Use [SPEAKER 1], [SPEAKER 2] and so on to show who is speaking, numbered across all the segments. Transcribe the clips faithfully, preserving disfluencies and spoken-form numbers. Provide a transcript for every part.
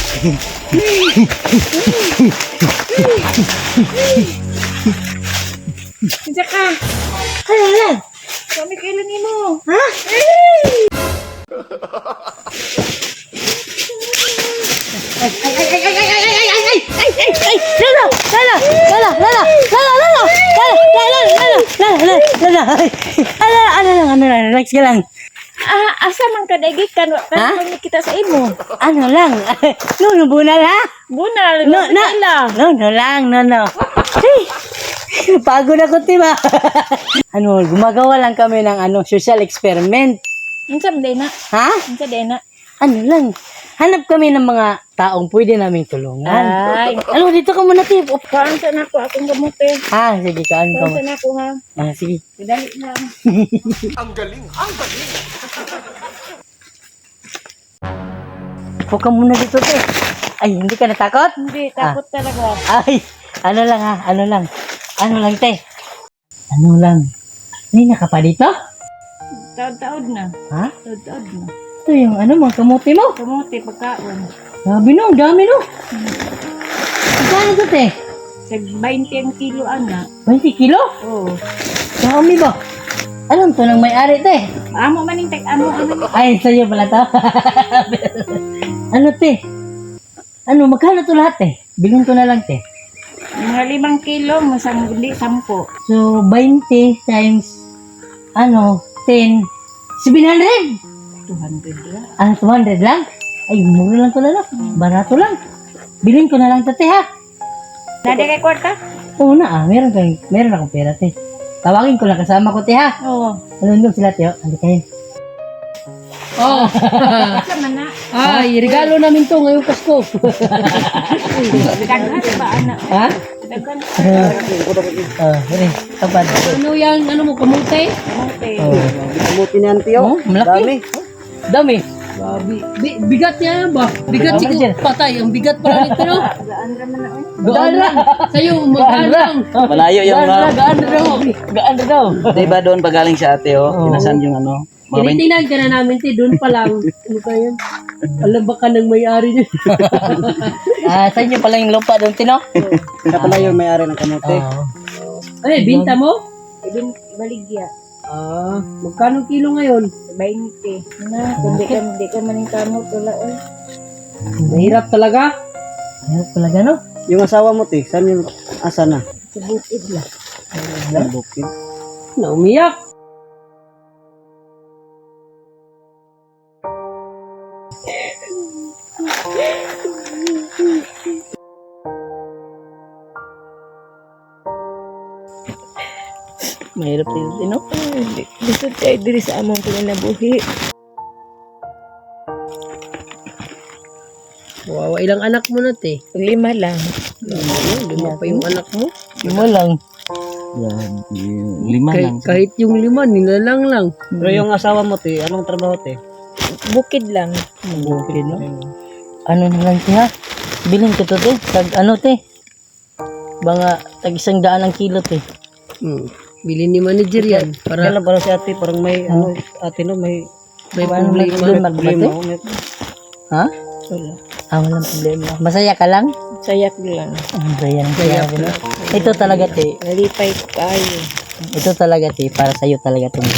[SPEAKER 1] Kinsa ka?
[SPEAKER 2] Hala, hala.
[SPEAKER 1] Kami kailan ni mo?
[SPEAKER 2] Ha? Ay, ay, ay, ay, ay, ay, ay, ay, ay, ay, ay, ay, ay, ay, Lala, Lala, Lala, Lala, Lala, Lala, Lala, Lala, Lala, Lala, Lala, ay, ano, ano lang, ano lang, relax ka lang.
[SPEAKER 1] Ah, asa man ka dagikan?
[SPEAKER 2] Ha?
[SPEAKER 1] Kan kita sa imo.
[SPEAKER 2] Ano lang, no, no, bunal ha?
[SPEAKER 1] Bunal,
[SPEAKER 2] No, no,
[SPEAKER 1] kaila.
[SPEAKER 2] no, no lang, no, no. Hey, pagod ako, diba? Ano, gumagawa lang kami ng ano, social experiment.
[SPEAKER 1] Unsa man na?
[SPEAKER 2] Ha?
[SPEAKER 1] Unsa na?
[SPEAKER 2] Ano lang, hanap kami ng mga taong pwede naming tulungan.
[SPEAKER 1] Ay,
[SPEAKER 2] Ano, dito ka muna, Tip. Op.
[SPEAKER 1] kaan sa nako akong gamute.
[SPEAKER 2] Ah, sige, kaan ka
[SPEAKER 1] Kaan sa
[SPEAKER 2] mo.
[SPEAKER 1] nako ha.
[SPEAKER 2] Ah, sige.
[SPEAKER 1] Dali lang.
[SPEAKER 2] Upo ka muna dito, Tip. Ay, hindi ka natakot?
[SPEAKER 1] Hindi, takot talaga.
[SPEAKER 2] Ay, ano lang ha, ano lang. Ano lang, te. Ano lang. May naka pa dito?
[SPEAKER 1] Taod-taod na.
[SPEAKER 2] Ha?
[SPEAKER 1] Taod-taod na.
[SPEAKER 2] Ito yung ano, mga kamuti mo.
[SPEAKER 1] Kamuti, pagkaon.
[SPEAKER 2] Sabi no, dami no. Saan ito, te?
[SPEAKER 1] Sa twenty ang kilo, ana.
[SPEAKER 2] twenty kilo?
[SPEAKER 1] Oo.
[SPEAKER 2] Dami ba? Alam to nang may-ari, te.
[SPEAKER 1] Amo maning tag amo ano.
[SPEAKER 2] Ay, sa'yo pala to. Ano, te? Ano, magkano to lahat, te? Bilhin ko na lang, te.
[SPEAKER 1] Mga limang kilo, masang hindi, sampo.
[SPEAKER 2] So, twenty times, ano, ten, seven hundred.
[SPEAKER 1] two hundred lang.
[SPEAKER 2] Ah, two hundred lang? Ay, mura lang to lalo. Barato lang. Bilhin ko na lang to, te, ha?
[SPEAKER 1] Nada kay kwarta?
[SPEAKER 2] Oo na, ah. Meron, kang, meron akong pera, te. Tawagin ko lang kasama ko, te, ha?
[SPEAKER 1] Oo.
[SPEAKER 2] Alundong sila, te, oh. Andi kayo.
[SPEAKER 3] Oh,
[SPEAKER 1] Asa man na?
[SPEAKER 3] ay, regalo namin to ngayong Pasko.
[SPEAKER 1] Daghan ba, ana?
[SPEAKER 2] Ha?
[SPEAKER 1] Daghan.
[SPEAKER 2] Oh, sige. Kapag.
[SPEAKER 3] Ano yan, ano mo, kamote?
[SPEAKER 1] Kamuti.
[SPEAKER 2] Oh.
[SPEAKER 4] Kamuti ni Auntie,
[SPEAKER 2] Oh,
[SPEAKER 4] oh.
[SPEAKER 2] malaki.
[SPEAKER 4] Dami.
[SPEAKER 2] Dami.
[SPEAKER 3] Grabe. Bi- bigat niya ba? Bigat
[SPEAKER 2] Ano
[SPEAKER 3] siguro.
[SPEAKER 2] dyan?
[SPEAKER 3] Patay, ang bigat pala nito, no?
[SPEAKER 1] Gaan ra man na. oy.
[SPEAKER 3] Gaan lang. Sa'yo, magaan lang.
[SPEAKER 4] Malayo yung
[SPEAKER 2] Gaan na,
[SPEAKER 4] mga...
[SPEAKER 2] gaan na daw. Gaan na daw.
[SPEAKER 4] Diba doon pagaling sa ate, oh.
[SPEAKER 2] Oo.
[SPEAKER 4] Pinasan yung ano. Mga bin-
[SPEAKER 3] Tinitingnan ka na namin, ti. Doon pa lang. Ano ka yan? Alam ba ka ng may-ari niya?
[SPEAKER 2] Ah, sa inyo pala yung lupa doon, Tino?
[SPEAKER 4] Siya pala yung may-ari ng kamuti.
[SPEAKER 2] Oo.
[SPEAKER 3] Ay, binta mo?
[SPEAKER 1] Ibin baligya.
[SPEAKER 3] Ah, magkano kilo ngayon?
[SPEAKER 1] twenty. Na, kundi ka hindi ka maning kamot wala oy.
[SPEAKER 3] Mahirap talaga.
[SPEAKER 2] Ayun pala gano.
[SPEAKER 4] Yung asawa mo, te, saan yung asa na?
[SPEAKER 1] Sa bukid la.
[SPEAKER 4] Sa bukid.
[SPEAKER 3] Naumiyak.
[SPEAKER 2] Mahirap din, Tino.
[SPEAKER 1] Lisod kay diri sa among panginabuhi.
[SPEAKER 3] Wawa, ilang anak mo na, te?
[SPEAKER 1] Lima lang.
[SPEAKER 3] Ano, lima pa yung anak mo.
[SPEAKER 2] Lima lang.
[SPEAKER 4] Yan, lima
[SPEAKER 3] Kahit, kahit yung lima, nilalang lang.
[SPEAKER 4] Pero yung asawa mo, te, anong trabaho, te?
[SPEAKER 1] Bukid lang.
[SPEAKER 2] Bukid, no? Ano na lang, te, ha? Bilhin ko to, te. Tag, ano, te? Mga tag isang daan ang kilo, te.
[SPEAKER 3] Hmm. Bili ni manager yan. Para
[SPEAKER 4] Kaya lang parang si ate, parang may, ano, ate, no, may...
[SPEAKER 3] may
[SPEAKER 2] Ano
[SPEAKER 3] problema.
[SPEAKER 2] problema,
[SPEAKER 4] Problema,
[SPEAKER 2] te?
[SPEAKER 4] oh, may...
[SPEAKER 2] Ha?
[SPEAKER 1] Wala.
[SPEAKER 2] Ah, walang problema. Masaya ka lang?
[SPEAKER 1] Sayak lang.
[SPEAKER 2] Ah, masaya lang kaya. Tino. Ito talaga, te.
[SPEAKER 1] Nalipay ko kayo.
[SPEAKER 2] Ito talaga, te. Para sa'yo talaga to.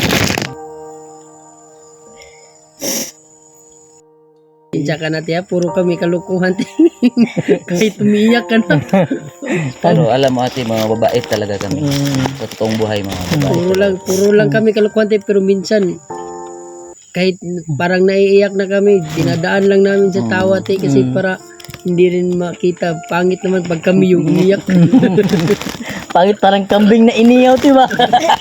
[SPEAKER 3] Diyan ka na, tiya. Puro kami kalukuhan. Kahit umiyak ka na.
[SPEAKER 4] Pero alam mo, ate, mga babae talaga kami.
[SPEAKER 2] Mm.
[SPEAKER 4] Sa totoong buhay, mga babae.
[SPEAKER 3] Puro lang, puro lang kami kalukuhan, tiya. Pero minsan, kahit parang naiiyak na kami, dinadaan lang namin sa tawa, tiya. Kasi para hindi rin makita. Pangit naman pag kami yung umiyak.
[SPEAKER 2] Pangit parang kambing na iniyaw, di ba?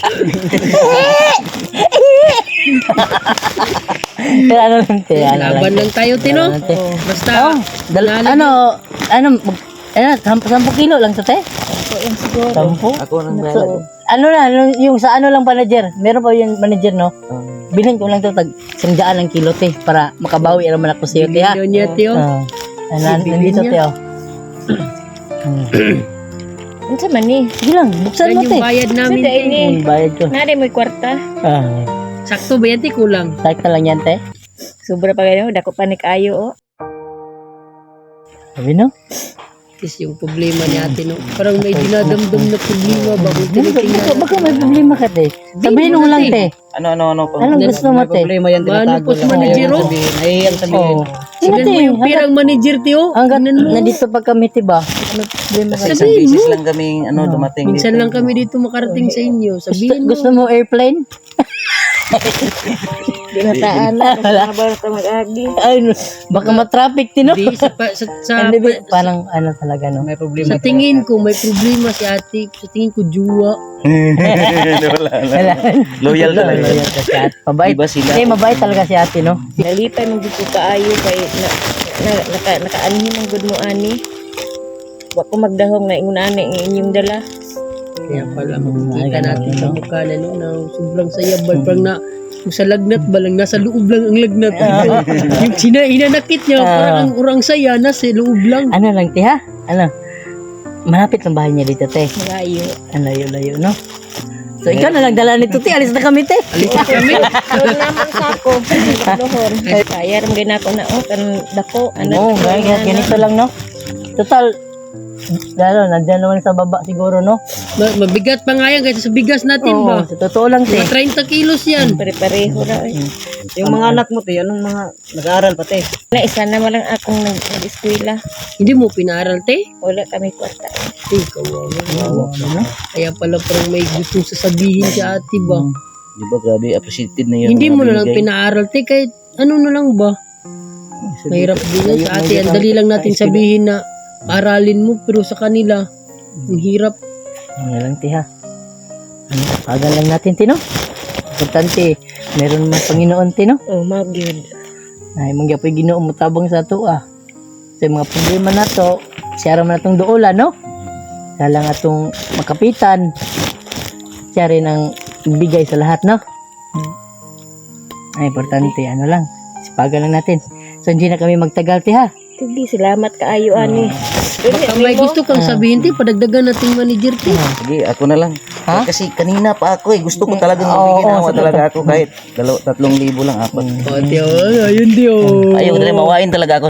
[SPEAKER 2] Pero ano lang, te, ano lang.
[SPEAKER 3] Laban lang tayo, Tino.
[SPEAKER 2] Ano, te.
[SPEAKER 3] Basta,
[SPEAKER 2] Oh, dal- ano, ano, mag- ano, sampu, sampu kilo lang to, te?
[SPEAKER 1] Ako yung siguro.
[SPEAKER 2] Sampu?
[SPEAKER 4] Ako nang
[SPEAKER 2] So, ano na, yung, yung sa ano lang manager, meron pa yung manager, no? Bilhin ko lang to, tag sandaan ng kilo, te, para makabawi naman ako sa'yo, te, ha?
[SPEAKER 3] Bilhin niya, Tio.
[SPEAKER 2] Ah, nan- nandito, te, oh. Hmm.
[SPEAKER 1] Unsa man ni?
[SPEAKER 2] Sige lang, buksan
[SPEAKER 3] Yan
[SPEAKER 2] mo,
[SPEAKER 3] yung
[SPEAKER 2] te.
[SPEAKER 3] bayad namin,
[SPEAKER 1] Sada
[SPEAKER 3] Tio.
[SPEAKER 1] ini.
[SPEAKER 2] Yung bayad ko.
[SPEAKER 1] Nari mo kwarta.
[SPEAKER 2] Ah,
[SPEAKER 3] Sakto ba yan, Tio? Kulang.
[SPEAKER 2] sakta lang yan, te.
[SPEAKER 1] Sobra pa ganyan, dako pa ni kayo oh.
[SPEAKER 2] Sabi no?
[SPEAKER 3] Is yung problema ni ate, no? Parang may dinadamdam na problema ba kung
[SPEAKER 2] Baka,
[SPEAKER 3] tinitingnan.
[SPEAKER 2] baka may problema ka, te. Sabihin mo lang, te.
[SPEAKER 4] Ano, ano, ano pa?
[SPEAKER 2] Anong gusto mo, te?
[SPEAKER 5] Problema yan,
[SPEAKER 3] Mano
[SPEAKER 5] tinatago
[SPEAKER 3] post
[SPEAKER 5] lang.
[SPEAKER 3] manager,
[SPEAKER 5] Ayaw
[SPEAKER 3] oh.
[SPEAKER 5] sabihin. Nahihiyang sabihin.
[SPEAKER 2] Oo.
[SPEAKER 3] Tignan mo yung pirang manager, tiyo.
[SPEAKER 2] Hanggat
[SPEAKER 3] Tignan mo.
[SPEAKER 2] nandito pa kami, tiba. Ano problema ka?
[SPEAKER 4] Kasi isang beses lang kaming ano, dumating
[SPEAKER 3] Minsan
[SPEAKER 4] dito.
[SPEAKER 3] lang kami dito makarating sa inyo.
[SPEAKER 2] Gusto,
[SPEAKER 3] Sabihin mo.
[SPEAKER 2] gusto mo airplane?
[SPEAKER 1] Dinataan na. Nabar ka mag-agi.
[SPEAKER 2] Ay, no. Baka matraffic, tino.
[SPEAKER 3] Hindi, sa, pa- sa, sa,
[SPEAKER 2] Hindi, ba? Parang ano talaga, no?
[SPEAKER 5] May problema.
[SPEAKER 3] sa tingin ko, may problema si ate. Sa tingin ko, juwa.
[SPEAKER 4] Wala, wala. Loyal talaga.
[SPEAKER 2] Loyal ka si ate. Mabait.
[SPEAKER 4] Iba sila.
[SPEAKER 2] Hindi, mabait talaga si ate, no?
[SPEAKER 1] Nalipay mong dito kaayo kay na, na, naka, nakaanhi ng good mo ani. Wa ko magdahong na ingon ani ang inyong dala.
[SPEAKER 3] Kaya pala makikita natin sa mukha na, no, na sobrang saya. Bal, parang na, kung sa lagnat ba lang, nasa loob lang ang lagnat. Yung sina, inanakit niya, parang ang urang saya, nasa loob lang.
[SPEAKER 2] Ano lang, te, ha? Ano? Malapit ang bahay niya dito, te.
[SPEAKER 1] Malayo.
[SPEAKER 2] Ang layo-layo, no? So, ikaw na lang dala nito, te. Alis na kami, te.
[SPEAKER 3] Alis na kami.
[SPEAKER 1] Doon naman sa ako. Dohon. Kaya ram gina ko na oh kan dako.
[SPEAKER 2] Oo,
[SPEAKER 1] Ano
[SPEAKER 2] ganyan, ganito lang, no? Total, lalo, nandiyan naman sa baba siguro, no?
[SPEAKER 3] Ma- mabigat pa nga yan kaysa sa bigas natin
[SPEAKER 2] Oo,
[SPEAKER 3] ba?
[SPEAKER 2] sa totoo lang, te.
[SPEAKER 3] Mga thirty kilos yan.
[SPEAKER 1] Pare-pareho ra eh.
[SPEAKER 5] Yung mga anak mo, te, anong mga nag-aaral pa, te?
[SPEAKER 1] Na isa na walang akong nag- nag-eskwela.
[SPEAKER 3] Hindi mo pinaaral, te?
[SPEAKER 1] Wala kami kwarta.
[SPEAKER 3] Eh, kawawa. Kaya pala parang may gustong sasabihin sa ate ba?
[SPEAKER 4] Di ba, grabe, appreciated na yun.
[SPEAKER 3] Hindi mo na lang pinaaral, te, kahit ano na lang ba? Mahirap din yan sa ate. Ang dali lang natin sabihin na aralin mo, pero sa kanila, ang hirap.
[SPEAKER 2] Ano lang, te, ha? Ano, pagal lang natin, te, no? Importante, meron mga Panginoon, te, no?
[SPEAKER 1] Oh, magyud.
[SPEAKER 2] Ay, mangyapoy ginoo mo tabang sa ato, ah. Sa mga problema na to, siya raman atong duola, no? Siya lang atong makapitan. Siya rin ang bigay sa lahat, no? Ay, importante, ano lang. Sipagan lang natin. So, hindi na kami magtagal, te, ha?
[SPEAKER 1] Sige, salamat kaayo ani.
[SPEAKER 3] Baka may gusto kang sabihin, te, padagdagan nating manager, te.
[SPEAKER 4] Sige, ako na lang.
[SPEAKER 2] Ha?
[SPEAKER 4] Eh, kasi kanina pa ako eh. Gusto ko talagang
[SPEAKER 2] Oo,
[SPEAKER 4] mabigyan
[SPEAKER 2] oo,
[SPEAKER 4] ako
[SPEAKER 2] sa
[SPEAKER 4] talaga ako kahit dalaw, tatlong libo lang, apat.
[SPEAKER 3] O, te, oh, ayun, te, oh.
[SPEAKER 4] Ayaw na mawain talaga ako.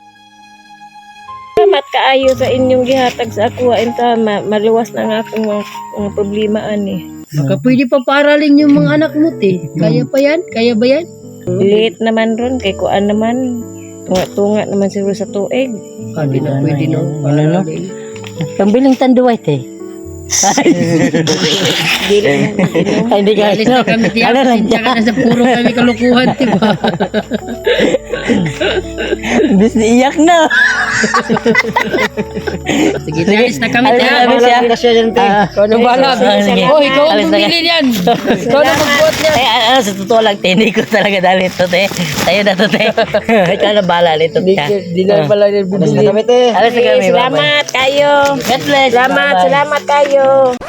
[SPEAKER 1] Salamat kaayo sa inyong gihatag sa ako inta ma maluwas na nga akong mga, mga problema ani.
[SPEAKER 3] Baka pwede pa paaralin yung mga anak mo, te. Kaya pa yan? Kaya ba yan?
[SPEAKER 1] Late naman ron kay kuan naman. Tunga-tunga naman siguro sa tuig.
[SPEAKER 3] Ah, di na pwede, no?
[SPEAKER 2] Ano, no?
[SPEAKER 3] Paaralin.
[SPEAKER 2] Pambiling tanduay, te.
[SPEAKER 1] Dili mo inom.
[SPEAKER 2] Ay, hindi ka.
[SPEAKER 3] Alis na kami, te.
[SPEAKER 2] Ano lang,
[SPEAKER 3] Pasensya ka na sa puro kami kalukuhan, te, ba?
[SPEAKER 2] Bis iyak na.
[SPEAKER 3] Sige, te, alis na kami, te.
[SPEAKER 2] Alis na
[SPEAKER 3] ah.
[SPEAKER 2] kami siya.
[SPEAKER 5] Wala siya yan, te.
[SPEAKER 2] Ah,
[SPEAKER 3] Ikaw na bahala.
[SPEAKER 2] Ah, sige.
[SPEAKER 3] Oh, ikaw ang
[SPEAKER 2] Alis na
[SPEAKER 3] bumili niyan. Ikaw na magbuhat niyan.
[SPEAKER 2] Ay, ano, sa totoo lang, te, hindi ko talaga dali ito, te. Tayo na to, te. Ikaw na bahala nito, te.
[SPEAKER 3] Di na pala niya
[SPEAKER 5] Alis na
[SPEAKER 3] bumili.
[SPEAKER 5] kami, te.
[SPEAKER 2] Alis na
[SPEAKER 1] Sige,
[SPEAKER 2] kami, bye-bye.
[SPEAKER 1] salamat kayo.
[SPEAKER 2] God bless.
[SPEAKER 1] Salamat,
[SPEAKER 2] Bye-bye.
[SPEAKER 1] salamat kayo.